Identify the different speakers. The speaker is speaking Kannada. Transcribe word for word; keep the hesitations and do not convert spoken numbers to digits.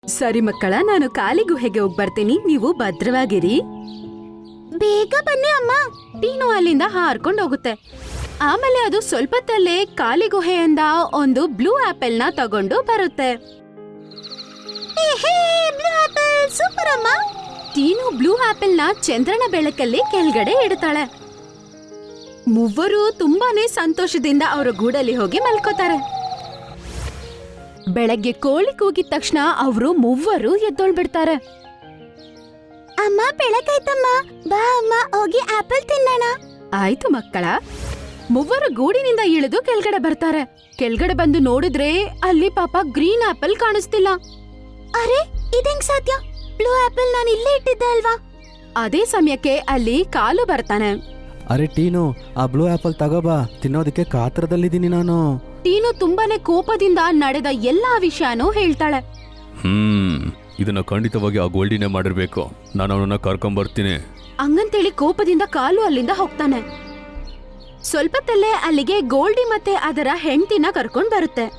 Speaker 1: ಸರಿ ಮಕ್ಕಳ, ನಾನು ಕಾಲಿ ಗುಹೆಗೆ ಹೋಗ್ ಬರ್ತೀನಿ, ನೀವು ಭದ್ರವಾಗಿರಿ. ಬೇಗ ಬನ್ನಿ ಅಮ್ಮ. ಟೀನು ಅಲ್ಲಿಂದ ಹಾರ್ಕೊಂಡು ಹೋಗುತ್ತೆ. ಆಮೇಲೆ ಅದು ಸ್ವಲ್ಪತ್ತಲ್ಲೇ ಕಾಲಿ ಗುಹೆಯಿಂದ ಒಂದು ಬ್ಲೂ ಆಪಲ್ ನ ತಗೊಂಡು ಬರುತ್ತೆ. ಸೂಪರ್ ಅಮ್ಮ. ಟೀನು ಬ್ಲೂ ಆಪಲ್ ನ ಚಂದ್ರನ ಬೆಳಕಲ್ಲಿ ಕೆಳಗಡೆ ಇಡ್ತಾಳೆ. ಮೂವರು ತುಂಬಾನೇ ಸಂತೋಷದಿಂದ ಅವರ ಗೂಡಲ್ಲಿ ಹೋಗಿ ಮಲ್ಕೋತಾರೆ. ಬೆಳಗ್ಗೆ ಕೋಳಿ ಕೂಗಿದ ತಕ್ಷಣ ಅವರು ಮೂವರು ಎದ್ದೊಳ್ಬಿಡ್ತಾರೆ. ಅಮ್ಮ ಬೆಳಕಾಯ್ತಮ್ಮ, ಬಾ ಅಮ್ಮ ಹೋಗಿ ಆಪಲ್ ತಿನ್ನೋಣ. ಆಯ್ತು ಮಕ್ಕಳ. ಮೂವರು ಗೂಡಿನಿಂದ ಇಳಿದು ಕೆಳಗಡೆ ಬರ್ತಾರೆ. ಕೆಳಗಡೆ ಬಂದು ನೋಡಿದ್ರೆ ಅಲ್ಲಿ ಪಾಪ ಗ್ರೀನ್ ಆಪಲ್ ಕಾಣಿಸ್ತಿಲ್ಲ. ಅರೆ ಇದಂಗ್ ಸಾಧ್ಯ? ಬ್ಲೂ ಆಪಲ್ ನಾನು ಇಲ್ಲೇ ಇಟ್ಟಿದ್ದೆ ಅಲ್ವಾ? ಅದೇ ಸಮಯಕ್ಕೆ ಅಲ್ಲಿ ಕಾಲು ಬರ್ತಾನೆ.
Speaker 2: ಅರೆ ಟೀನು, ಆ ಬ್ಲೂ ಆಪಲ್ ತಗೋಬಾ, ತಿನ್ನೋದಕ್ಕೆ ಕಾತರದಲ್ಲಿದ್ದೀನಿ ನಾನು.
Speaker 1: ಟೀನು ತುಂಬಾನೇ ಕೋಪದಿಂದ ನಡೆದ ಎಲ್ಲಾ ವಿಷಯನೂ ಹೇಳ್ತಾಳೆ.
Speaker 3: ಹ್ಮ್ ಇದನ್ನ ಖಂಡಿತವಾಗಿ ಆ ಗೋಲ್ಡಿನೇ ಮಾಡಿರ್ಬೇಕು. ನಾನು ಅವನನ್ನ ಕರ್ಕೊಂಡ್ ಬರ್ತೀನಿ.
Speaker 1: ಹಂಗಂತೇಳಿ ಕೋಪದಿಂದ ಕಾಲು ಅಲ್ಲಿಂದ ಹೋಗ್ತಾನೆ. ಸ್ವಲ್ಪತ್ತಲ್ಲೇ ಅಲ್ಲಿಗೆ ಗೋಲ್ಡಿ ಮತ್ತೆ ಅದರ ಹೆಂಡತಿನ ಕರ್ಕೊಂಡ್ ಬರುತ್ತೆ.